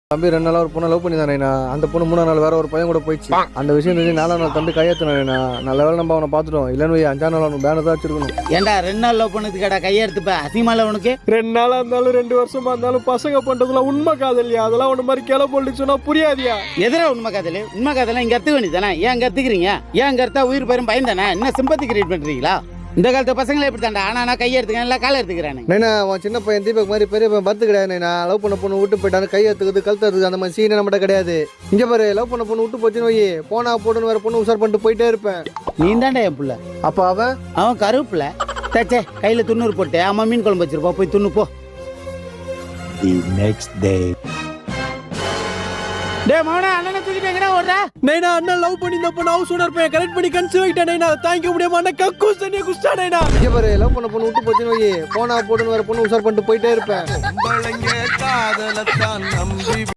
தம்பி 2 நாளா ஒரு பொண்ணை லவ் பண்ணி தானேண்ணா. அந்த பொண்ணு 3ஆம் நாள் வேற ஒரு பையன் கூட போயிடுச்சு. அந்த விஷயம் தெரிஞ்சு 4ஆம் நாள் தம்பி கையெழுத்துனா. நல்ல வேலை நம்ம அவனை பார்த்துட்டோம். இல்லைன்னு 5ஆம் நாள் அவனுக்கு பேனர் தான் வச்சிருக்கணும். ஏண்டா 2 நாள் லவ் பண்ணதுக்கு கேடா கையெடுத்துப்ப அசிங்கமால உனக்கு 2 நாளா இருந்தாலும் 2 வருஷமா இருந்தாலும் பசங்க பண்றதுல உண்மை காதலியா? அதெல்லாம் ஒண்ணு மாதிரி கிளை போட்டு சொன்னா புரியாதியா? எதிரா உண்மை காதல இங்க கத்துக்க வேண்டியதானே? ஏன் அங்க கத்துக்கிறீங்க? ஏன் அங்க கத்தா உயிர் பெரும் பயம் தானே? என்ன சிம்பத்தி கிரியேட் பண்றீங்களா? இந்த காலத்து பசங்களை எப்படி தாண்டா ஆனா நான் கையெடுத்துக்கிறேன் இல்லை காலை எடுத்துக்கிறானே. நைனா அவன் சின்ன பையன் தீபக் மாதிரி பெரிய பையன் பத்து கிடையாது. நைனா லவ் பண்ண பொண்ணு விட்டு போயிட்டாரு, கையெழுத்துக்குது கழுத்துறது அந்த மாதிரி சீனே நம்மகிட்ட கிடையாது. இங்க பாரு, லவ் பண்ண பொண்ணு விட்டு போச்சுன்னு வை, போனா போட்டுன்னு வேற பொண்ணு உசார் பண்ணிட்டு போயிட்டே இருப்பேன். நீ தாண்டா என் புள்ள. அப்ப அவன் கருப்புல தச்சே கையில துண்ணூறு போட்டு அம்மா மீன் குழம்பு வச்சிருப்பா, போய் துண்ணு போ. The next day. டேய் மவனா, அண்ணனை தூக்கிட்டு எங்கடா ஓடுறா? நைனா அண்ணன் லவ் பண்ணி இந்த பொண்ணு ஹவுஸ் ஓனர் பையன் கரெக்ட் பண்ணி கன்சீவ் ஆயிட்டா. நைனா தாங்கிக்க முடியாம அண்ணன் கக்கூஸ் தண்ணியை குடிச்சா. நைனா இங்க பாரு, லவ் பண்ண பொண்ணு விட்டு போச்சுன்னு வை, போனா போட்டுன்னு வேற பொண்ணு உசார் பண்ணிட்டு போயிட்டே இருப்பேன்.